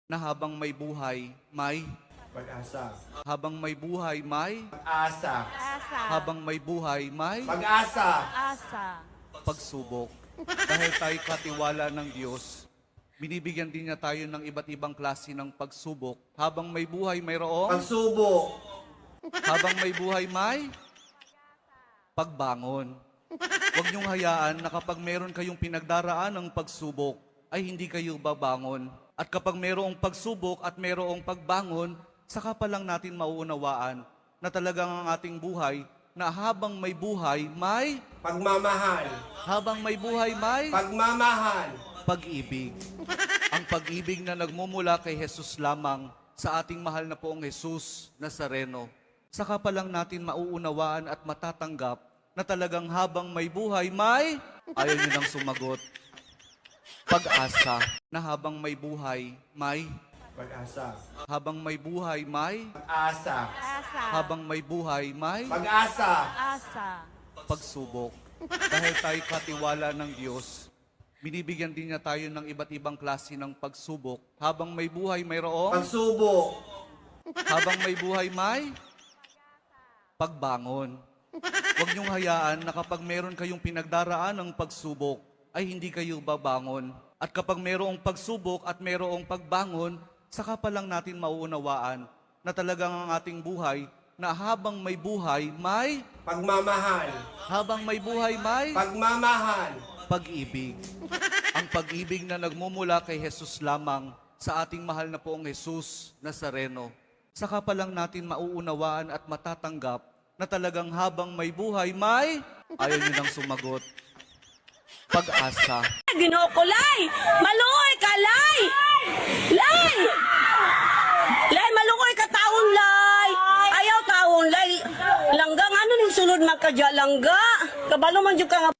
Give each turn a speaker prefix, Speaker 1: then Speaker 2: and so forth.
Speaker 1: na habang may buhay, may
Speaker 2: Pag-asa.
Speaker 1: habang may buhay, may
Speaker 2: Asa.
Speaker 3: Asa.
Speaker 1: habang may buhay, may
Speaker 2: Pag-asa.
Speaker 3: Asa.
Speaker 1: pagsubok. Dahil tayo katiwala ng Diyos, binibigyan din niya tayo ng iba't ibang klase ng pagsubok. Habang may buhay, mayroong
Speaker 2: Pagsubok.
Speaker 1: habang may buhay, may pagbangon. Huwag niyong hayaan na kapag meron kayong pinagdaraan ng pagsubok, ay hindi kayo babangon. At kapag mayroong pagsubok at mayroong pagbangon, saka pa lang natin mauunawaan na talagang ang ating buhay, na habang may buhay, may
Speaker 2: Pagmamahal.
Speaker 1: habang may buhay, may
Speaker 2: Pagmamahal.
Speaker 1: pag-ibig. Ang pag-ibig na nagmumula kay Jesus lamang sa ating mahal na poong Jesus Nazareno. Saka pa lang natin mauunawaan at matatanggap na talagang habang may buhay, may ayaw niyo nang sumagot. Pag-asa na habang may buhay, may
Speaker 2: Pag-asa.
Speaker 1: habang may buhay, may
Speaker 2: Asa.
Speaker 3: Asa.
Speaker 1: habang may buhay, may
Speaker 2: Pag-asa.
Speaker 3: Asa.
Speaker 1: pagsubok. Dahil tayo katiwala ng Diyos, binibigyan din niya tayo ng iba't ibang klase ng pagsubok. Habang may buhay, mayroong
Speaker 2: Pagsubok.
Speaker 1: habang may buhay, may pagbangon. Huwag niyong hayaan na kapag meron kayong pinagdaraan ng pagsubok, ay hindi kayo babangon. At kapag mayroong pagsubok at mayroong pagbangon, saka pa lang natin mauunawaan na talagang ang ating buhay, na habang may buhay, may
Speaker 2: Pagmamahal.
Speaker 1: habang may buhay, may
Speaker 2: Pagmamahal.
Speaker 1: pag-ibig. Ang pag-ibig na nagmumula kay Jesus lamang sa ating mahal na poong Jesus Nazareno. Saka pa lang natin mauunawaan at matatanggap na talagang habang may buhay, may ayaw niyo nang sumagot. Pag-asa.
Speaker 3: Ginoo ko, Lay! Malungoy ka, Lay! Lay! Lay, malungoy ka taon, Lay! Ayaw taon, Lay! Langga, ano ning sulod magkadya, langga? Kabalo man dyan ka nga